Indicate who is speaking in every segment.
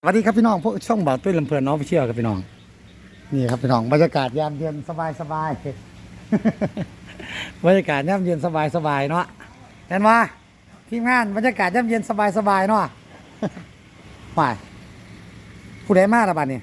Speaker 1: สวัสดีครับพี่น้องพวกช่องบ่าวตุ้ยลำเพลินน้องไปเชี่ยวกับพี่น้องนี่ครับพี่น้องบรรยากาศยามเย็นสบาย บรรยากาศยามเย็นสบายเนาะเห็นว่าทีมงานบรรยากาศยามเย็นสบายเนาะ ไปผู้ใดมาละบัดนี้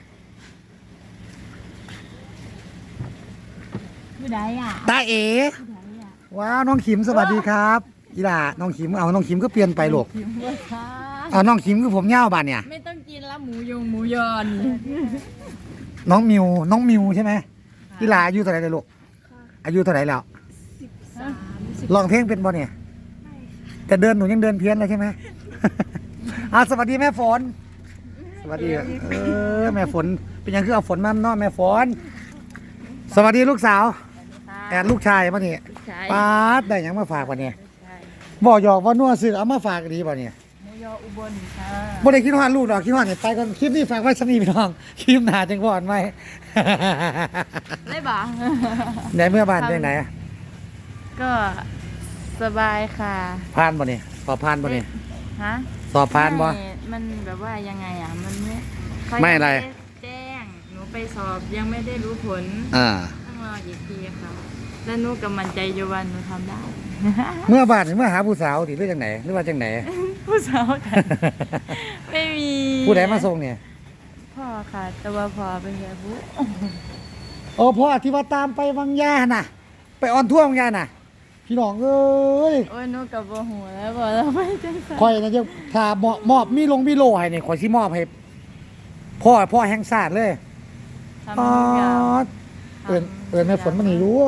Speaker 2: ผู้ใดอ่ะ
Speaker 1: ตาเอ๋ว้าวน้องขิมสวัสดีครับอีหล่าน้องขิมเอาน้องขิมก็เปลี่ยนไปลูก
Speaker 2: พิมพ์ว่าค่ะ
Speaker 1: เอาน้องขิมคือผมเง่าบัดเนี่ย
Speaker 2: ไม่ต้องกินละหมูยงหมูยอน
Speaker 1: น้องมิวใช่ไหมอีหล่าอายุเท่าไหร่เลยลูกอายุเท่าไหร่แล้วลองเพลงเป็นบ่เนี่ยแต่เดินหนูยังเดินเพี้ยนเลยใช่ไหม สวัสดีแม่ฝนสวัสดีแม่ฝนเป็นยังคือเอาฝนมาเนาะแม่ฝนสวัสดีลูกสาวแอนลูกชายป่ะเนี่ยป้าดได้ยังมาฝากป่ะเนี่ยบ่หยอกว่านัวซื้อเอามาฝากดีป่ะเนี่ย
Speaker 2: หมูยออุบลค่ะ
Speaker 1: บ่ได้คิดว่าลูกดอกคิดว่าเนี่ยไปก่อนคลิปนี้ฝากไว้สำนีพี่น้องคลิปหน้าจังบ่อนไหม
Speaker 2: ได้บ่
Speaker 1: ไหนเมื่อบ้านไปไหน
Speaker 2: ก็สบายค่ะ
Speaker 1: ผ่านป่ะเนี่ยสอบผ่านป่ะเนี่ย
Speaker 2: ฮะ
Speaker 1: สอบผ่านป่ะ
Speaker 2: มันแบบว่ายังไงอ่ะมันเขา
Speaker 1: ไม่อะไร
Speaker 2: ยังด้แจ้งหนูไปสอบยังไม่ได้รู้ผล ต้องรออีกทีค่ะแล้วหนูกำมันใจอยู่ว่าหนูทำได้
Speaker 1: เมื่อบ้านเมื่อหาผู้สาวดิหรือจังไหนหรือว่าจังไหน
Speaker 2: ผู้สาวกันไม่มี
Speaker 1: ผู้ใดมาส่งเนี่ย
Speaker 2: พ่อค่ะ แต่ว่าพ่อเป็นยาบุ
Speaker 1: โอ้พ่อที่ว่าตามไปวังยาน่ะ ไปออนทั่ววังยาน่ะ พี่น้องเอ้ย
Speaker 2: โอ้ยหนูกับโบหูแล้วบอกเราไม่จังสัน
Speaker 1: คอยนะจะถ้ามอบมีโลให้เนี่ยคอยสิมอบให้พ่อแห่งชาติเลย
Speaker 2: ทำทุกอย่าง
Speaker 1: เอินแม่ฝนมันนี่รู้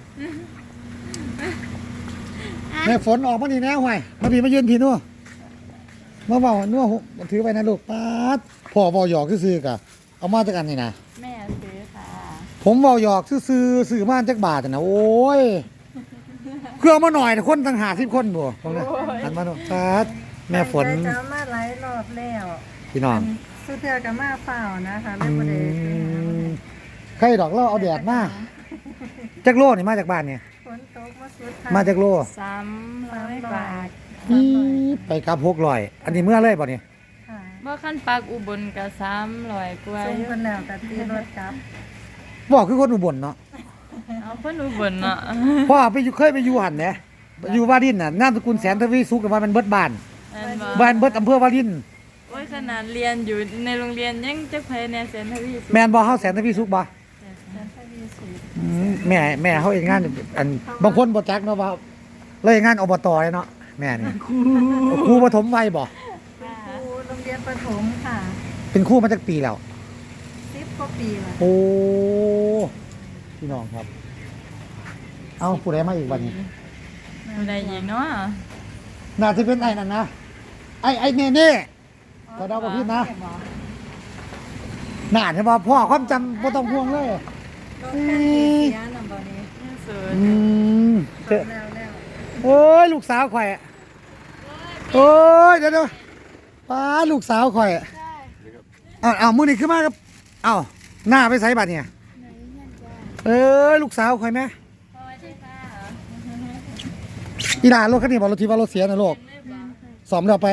Speaker 1: แม่ฝนออกมานี่แน่ห่วยมาพี่มายืนพี่นู่นมาเบานู่นถือไปนะลูกป๊าดพ่อเบาหยอกซื่อๆกะเอามาจากกันนี่นะ
Speaker 2: แม่ซื้อค่ะ
Speaker 1: ผมเบาหยอกซื้อมาจากบาทนะโอ้ยเครื่องมาหน่อยนะคนตั้ง50 คนบ่ตรงนั้นหันมาดูป๊าดแม่ฝน
Speaker 3: จะมาหลายรอบแล้ว
Speaker 1: พี่น้อง
Speaker 3: สุดเทือกับมาเปล่านะคะเล่นประเด็น
Speaker 1: ใครดอกเราเอาแดดมาจากโลนี่มาจากบ้านเนี่ย
Speaker 3: ฝนตกมาสุด
Speaker 1: มาจากโล
Speaker 2: 300 บาท
Speaker 1: อีไปกับ600อันนี้เมื่อเลยบ่เนี่ย
Speaker 3: ค่ะ
Speaker 2: บ่ขั้นปักอุบลกับ300กว่า
Speaker 3: ส่งคนแล้วแต่ตีรถกลับ
Speaker 1: บอกคือคนอุบลเนาะ
Speaker 2: เอาคนอุบลเนาะ
Speaker 1: พ่อไปอยู่เคยไปอยู่หันเนี่ยอยู่วารินน่ะนามสกุลแสนทวีสุขกับว่ามันเบิดบ้าน
Speaker 2: แม่นบ่
Speaker 1: บ้านเบิดอำเภอวาริน
Speaker 2: โอ้ยขนาดเรียนอยู่ในโรงเรียนยังจักไผแนเซนทวีสุข
Speaker 1: แม่นบ่เฮาแสนทวีสุขบ่
Speaker 3: แล้วทวีสุด
Speaker 1: แม่เฮาเฮ็ดงานอันบางคนบ่จักเนาะว่าเลยงานอบตเนาะแม่นี่ครูปฐมวัยบ่
Speaker 3: ครูโรงเรียนประถมค่ะ
Speaker 1: เป็นครูมาจากปีแล้ว
Speaker 3: 10 กว่าปีแล้ว
Speaker 1: โอ้พี่น้องครับ เอาผู้ใดมาอีกวันนี้
Speaker 2: ผู้ใดอีกเนาะ
Speaker 1: น่าจะเป็นไอ้นั่นนะไอ้เน่ก็เดากับพี่นะน่าจะว่าพ่อความจำบ่ต้องห่วงเลย
Speaker 3: รถคันนี้เสียนำบ่นี้
Speaker 2: ยังสวย
Speaker 1: อืม
Speaker 3: ส่งแล้ว
Speaker 1: โอ้ยลูกสาวข่อยอะโอ้ยเดี๋ยวป้าลูกสาวข่อยอะเอามือนี่ขึ้นมาครับเอาหน้าไปใส่บัตรเนี่ยลูกสาวข่อยไหมอีหลานรถคันนี้บอกรถที่ว่ารถเสียนะลูกสอมเดี๋ยวไป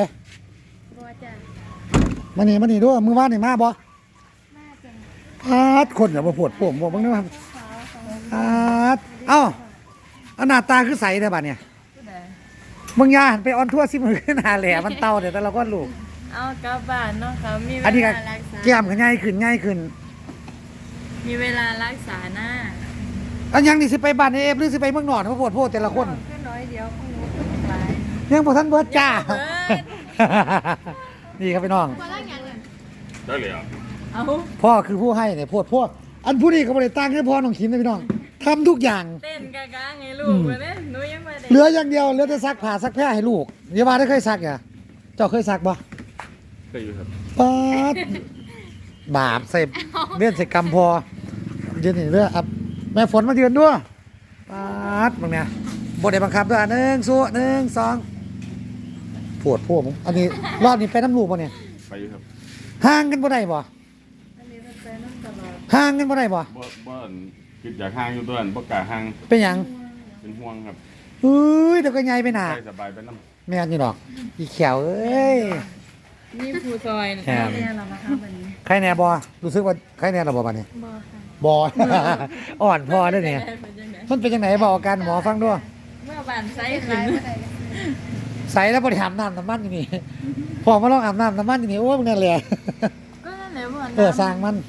Speaker 1: มานี่ด้วยมือว่านนี่มาบ่พาดคนอย่ามาปวดผมบอกบ้างนะพาดเอ้าหน้าตาคือใสได้บัตรเนี่ย
Speaker 2: ผู้ใด
Speaker 1: มึงอยาหันไปออนทั่วสิมือขึ้นหาแหล่มันเต่าเดี๋ยวแต่เราก็ลูก
Speaker 2: เอากลับบ้านเนาะค่ะมีเว
Speaker 1: อันนี้ก็
Speaker 2: ลารักษา
Speaker 1: แก้มก็ง่ายขึ้น
Speaker 2: มีเวลารักษาหน้า
Speaker 1: อันยังนี่สิไปบ้านเอฟหรือสิไปเมืองนอนเขาโพดแต่ละคน
Speaker 3: ขึ้นน้อยเดียวของหนูขึ้นหลาย
Speaker 1: ยังบ่ทันเบิดจ้า
Speaker 2: ยังบ่เบิด
Speaker 1: นี่ครับพี่น้อง
Speaker 4: ได้เลยอ่ะ
Speaker 2: เอา
Speaker 1: พ่อคือผู้ให้เนี่ยโพดอันผู้นี้ก็บ่ได้ตั้งให้พ่อน้องขิมนะพี่น้องทำทุกอย่าง
Speaker 2: เต้นกะกะไงลูกเว้ยเนี่ยหนูยังไม่ได้
Speaker 1: เหลืออย่างเดียวเหลือแต่ซักผ้าซักแพร่ให้ลูกอย่าว่าได้เคยซักอ่ะเจ้าเคยซักบ่
Speaker 4: เคยอยู่ครับ
Speaker 1: ป๊าดบาปใส่เลื่อนใส่กำพอยืนนี่เด้อครับแม่ฝนมายืนด้วยป๊าดบังเนี่ยบ่ได้บังคับด้วย1 2ปวดพวกมึงอันนี้รอบนี้ไปน้ำลูกป่ะเนี่ย
Speaker 4: ไปอยู่ครับ
Speaker 1: ห่างกันบ่ได้บ่
Speaker 3: อันนี้เป็นแฟนน้ำตลอด
Speaker 1: ห่างกันบ่ได้บ่
Speaker 4: บ่คิดอยากห่างอยู่ตัวนั้นบ่กล้าห่าง
Speaker 1: เป็นหยัง
Speaker 4: เป็นห่วงครับ
Speaker 1: เฮ้ยเดี๋ยวก็ใหญ่ไปหนา
Speaker 4: ใส่สบายไปน้ำ
Speaker 1: แม่นอยู่ดอกอีเขียวเอ้ย
Speaker 2: นี่ผู้ซอย
Speaker 1: ครับ
Speaker 3: เรียนหรอคะ
Speaker 1: ใครแน่บอรู้สึกว่าใครแน่ระบบัดนี้
Speaker 2: บอค่ะ
Speaker 1: บอ อ่อนพอได้เนี่ย มันเป็นยังไงบอกอาการหมอฟังด้วย
Speaker 2: เมื่อบานไซส์ขึ้น
Speaker 1: ใส่แล้วบริหารน้ำมันอยู่นี่ พอมาลองอาบน้ำมันอยู่นี่โอ้ยมึงนั่นแหละ
Speaker 2: ก็นั่นแหละว่า
Speaker 1: สร้างมัน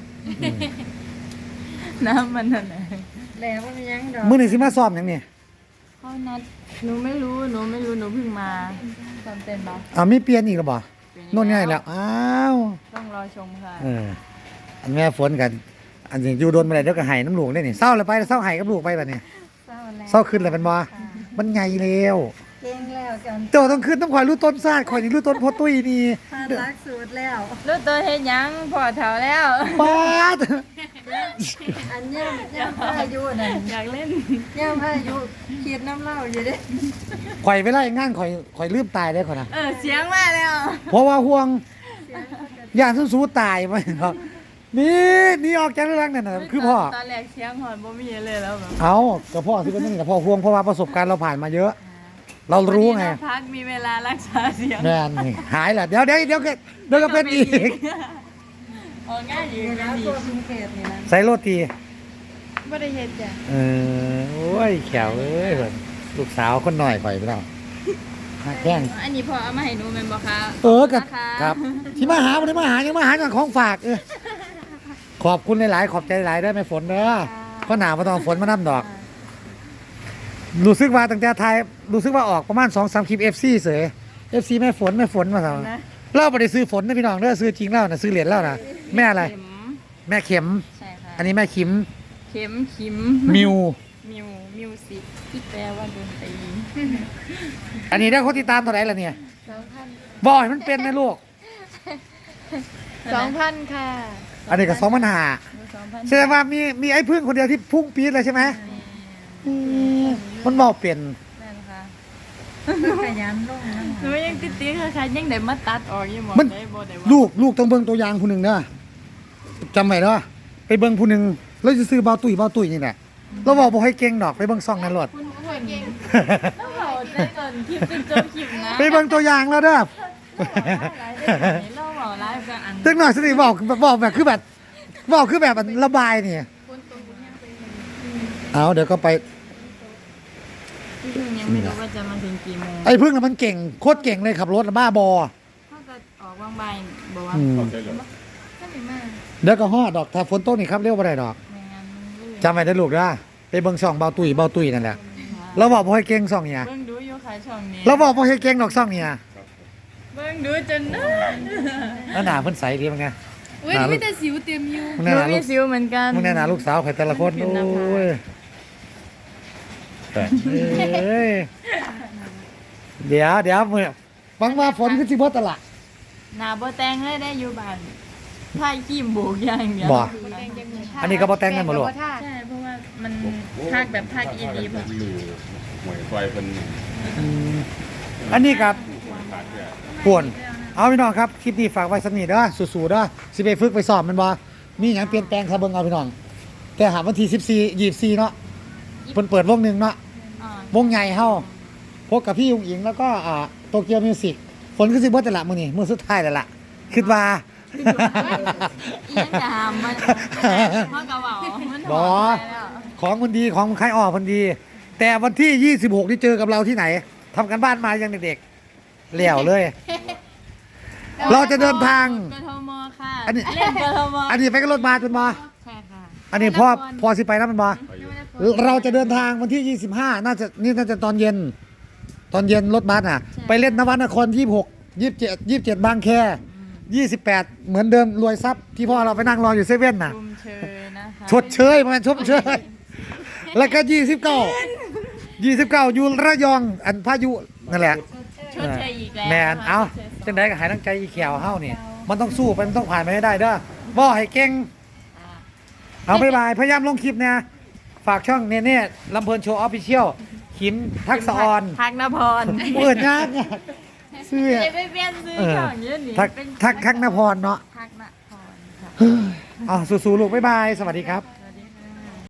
Speaker 2: น้ำมันนั่นแหละ
Speaker 3: แล้วมันยังดอก
Speaker 1: มื้อนี้สิมาซ้อมหยังนี่
Speaker 2: เขานัดหนูไม่รู้หนูเพิ่งมาตอนเต้นบ้า
Speaker 1: มีเปลี่ยนอีกหรือบ่โน่นง่ายแล้วอ้าว
Speaker 2: ต้องรอชมค่ะ
Speaker 1: อันแม่ฝนกันอันนี้อยู่โดนมาได้เดี๋ยวก็ให้น้ำลูกได้นี่เศร้าเลยไปเศร้าให้กับลูกไปบัดนี้
Speaker 3: เศร้าแล้ว
Speaker 1: เศร้าขึ้นเลยเป็นบ่มันใหญ่แล้ว
Speaker 3: เก่งแล้วจน
Speaker 1: เจ้าต้องขึ้นต้องคอยรู้ต้นซาดคอยนี่รู้ต้นพอตุ้ยนี่
Speaker 3: พารักสูตรแล้ว
Speaker 2: รู้ตัวเฮ็ดหยังพอแถวแล้ว
Speaker 1: ปาด
Speaker 3: อันย่ำพายุนั่น
Speaker 2: อยากเล่น
Speaker 3: ย่ำพายุคิดน้ำเหล้าอยู่เด้
Speaker 1: ข่อยเวลาอย่างงานข่อยลืมตายได้ข่อยนะ
Speaker 2: เสียงมาแล้ว
Speaker 1: เพราะว่าห่วงย่านสู้ๆตายไปครับนี่ออกจากเรื่องนั่นน่ะคือพ่อ
Speaker 2: ตอนแรกเสียงหอนบ่มีเลยแล้วแบบ
Speaker 1: เอากับพ่อที่เป็นนี่กับพ่อห่วงเพราะว่าประสบการณ์เราผ่านมาเยอะ เรารู้ไง
Speaker 2: วันนี้เราพักมีเวลารักษาเสียง
Speaker 1: แม่นนี่หายแหละเดี๋ยวก็เป็นอีก
Speaker 2: ออกง่ายอยู่
Speaker 3: นี่
Speaker 2: กั
Speaker 3: นะ
Speaker 2: นดี
Speaker 3: ตัวพิงเกตนี่นะ
Speaker 1: ใส่โรตี
Speaker 2: บ่ได้เฮ็ดจ้ะ
Speaker 1: โอ้ยแขวเอ้ยเพิ่นลูกสาวคนหน่อยข่อยไปแล้วหักแข้ง
Speaker 2: อันนี้พอเอามาให้หนูแม่นบ่คะ
Speaker 1: กับ
Speaker 2: นะคะ
Speaker 1: ครับ ที่มาหาวันนี้มาหายังมาหาอย่างของฝากขอบคุณหลายๆขอบใจหลายได้ไหมฝนเด้อก็หนาวมาตอนฝนมาน้ำดอก รู้สึกว่าตั้งแต่ไทยรู้สึกว่าออกประมาณ2-3 คลิป FC เสย FC แม่ฝนมาสั่งเราไม่ได้ซื้อฝนนะพี่น้องเด้อซื้อจริงแล้วนะซื้อเหรียญแล้วนะแม่อะไร
Speaker 2: เข็ม
Speaker 1: แม่เข็ม
Speaker 2: ใช่ค่ะ
Speaker 1: อันนี้แม่คิม
Speaker 2: เข็มขิม
Speaker 1: มิว
Speaker 2: มิวสิกที่แปลว่าดนตรี
Speaker 1: อันนี้ได้คนติดตามเท่าไหร่ละเนี่ยบ่อยมันเป็นนะลูก
Speaker 2: 2,000 ค่ะ
Speaker 1: อันนี้ก็2,500
Speaker 2: 2,000
Speaker 1: แสดงว่ามีไอ้พึ่งคนเดียวที่พุ่งปี๊ดเลยใช่ไหมมันบอกเปลี่ยน
Speaker 2: นั่นค่ะ
Speaker 3: ขยันลงนะ
Speaker 2: หนูยังติดๆค่ะยังได้มาตัดออกอยู่หมด
Speaker 1: มัน
Speaker 2: ได้บ่ได้ว่า
Speaker 1: ลูกต้องเบิ่งตัวอย่างผู้หนึ่งเด้อจำไว้เด้อไปเบิ่งผู้หนึ่งแล้วจะซื้อเบาตุ๋ยนี่แหละเราบอกบ่ให้เก่งดอกไปเบิ่งซ่องนั้นโลด
Speaker 2: คุณพ่อเก่งต้องเอาได้ก่อนคลิปจนจบคลิปนะ
Speaker 1: ไปเบิ่งตัวอย่างแล้วเด้อ
Speaker 2: เราบอกไลฟ์กันอัน
Speaker 1: จังหน่อยสิบอกแบบคือแบบบอกคือแบบระบายนี่เอาเดี๋ยวก็ไป
Speaker 2: พี่พึ่งยังไม่รู้ว่าจะมาถึงกี่โมง
Speaker 1: ไอ้พึ่งน่ะมันเก่งโคตรเก่งเลยขับรถน่ะบ้าบอ
Speaker 2: ถ้าจะออกว่างบ่ายบอกว่า
Speaker 4: เข้าใจเลย
Speaker 2: ถ้าไม่มา
Speaker 1: เดี๋ยวก็ฮอดดอกถ้าฝนตกนี่ครับเรียกว่าไรดอก
Speaker 2: ไม่งั้นมันลื่น
Speaker 1: จำไว้ได้อลูกเด้อไปเบิ่งซ่องเบาตุ๋ยนั่นแหละเราบอกบ่ให้เก่งซ่องเนี่ย
Speaker 2: เบิ่งดูอยู่ค่ะช่องนี้
Speaker 1: เราบอกบ่ให้เก่งดอกซ่องเนี่ย
Speaker 2: เบิ่งดูจนนั่น
Speaker 1: แล้วหน้าเพิ่นใสดีมั้งไง
Speaker 2: อุ้ยมีแต่สิวเต็มอยู่
Speaker 1: มึง
Speaker 2: ห
Speaker 1: แน่
Speaker 2: นู
Speaker 1: หน้า
Speaker 2: มี
Speaker 1: ลูก
Speaker 2: สิวเหมือนกัน
Speaker 1: มึงแน่หน้าลูกสาวใครแต่ละคน
Speaker 2: ขึ้นหน้าผาก
Speaker 1: โอ้ยเอ้ยเดี๋ยวมื้อหวังว่าฝนคือสิบ่ตะละ
Speaker 2: หน้าบ่แต่งเลยได้อยู่บ้านถ่ายครีมโบกอย่างเดียว
Speaker 1: บ่ อันนี้ก็บ่แต่งกันบ่ลูก
Speaker 2: ใช่เพราะว่ามันทักแบบทักอีดีแบบ
Speaker 4: หรือหวยไฟเป็น
Speaker 1: อันนี้ครับ
Speaker 4: ขาดแค่
Speaker 1: ป่วนเอาพี่น้องครับคลิปนี้ฝากไว้สักนิดเด้อสู้ๆเด้อสิไปฝึกไปสอบมันบ่มีหยังเปลี่ยนแปลงครับเบิ่งเอาพี่น้องแต่หาวันที่14 24เนาะเพิ่นเปิดวงหนึงเนาะ
Speaker 2: อ่าว
Speaker 1: งใหญ่เฮาพบกับพี่ยุงอิงแล้วก็โตเกียวมิวสิกฝนคือสิบ่แต่ละมื้อนี้มื้อสุดท้ายแล้วล่ะคิดว่า
Speaker 2: อีหยังจะหามมันเพราะกระเป๋ามันถ
Speaker 1: บ่
Speaker 2: อดไปแล้ว
Speaker 1: ของมันดีของใครออกมันดี แต่วันที่ 26 นี่เจอกับเราที่ไหนทำกันบ้านมายังเด็กๆเหลี่ยวเลย เราจะเดินทาง
Speaker 2: กทมค่ะ
Speaker 1: อันนี้
Speaker 2: เล่นกทม
Speaker 1: อันนี้ไปกับรถบัสเป็นบ่
Speaker 2: ใช่ค่ะ
Speaker 1: อันนี้พอสิไปนะเป็นบ่
Speaker 4: ไปอยู่
Speaker 1: เราจะเดินทางวันที่ 25 น่าจะตอนเย็นรถบัสไปเล่นนวนคร 27 บางแค 28 เหมือนเดิมรวยทรัพย์ที่พ่อเราไปนั่งรออยู่เซเว่นน่ะ
Speaker 2: ชุมเชยนะคะ
Speaker 1: ชดเชยมันชดเชย แล้วก็ 29 อยู่ระยองอันพายุนั่นแหละ
Speaker 2: ชดเชยอีกแล้ว
Speaker 1: แมนเอาจังไดก็หายตั้งใจอีแขวเฮานี่มันต้องสู้ไปมันต้องผ่านไปให้ได้เด้อบ่ให้เก่งเอาบ๊ายบายพยายามลงคลิปเนี่ยฝากช่องเน่ๆลำเพลินโชว์ออฟฟิเชียลขิมทักษะออน
Speaker 2: ทักนพร
Speaker 1: เปิดยากเนี่ยซื้อ
Speaker 2: เดี๋ยวไปเปลี่ยนซื้อช่องเยอะนี่
Speaker 1: ทักนพรเนาะ
Speaker 2: ทักนพรค่ะ
Speaker 1: เอาสู้ๆลูกบ๊ายบายสวัสดีครับ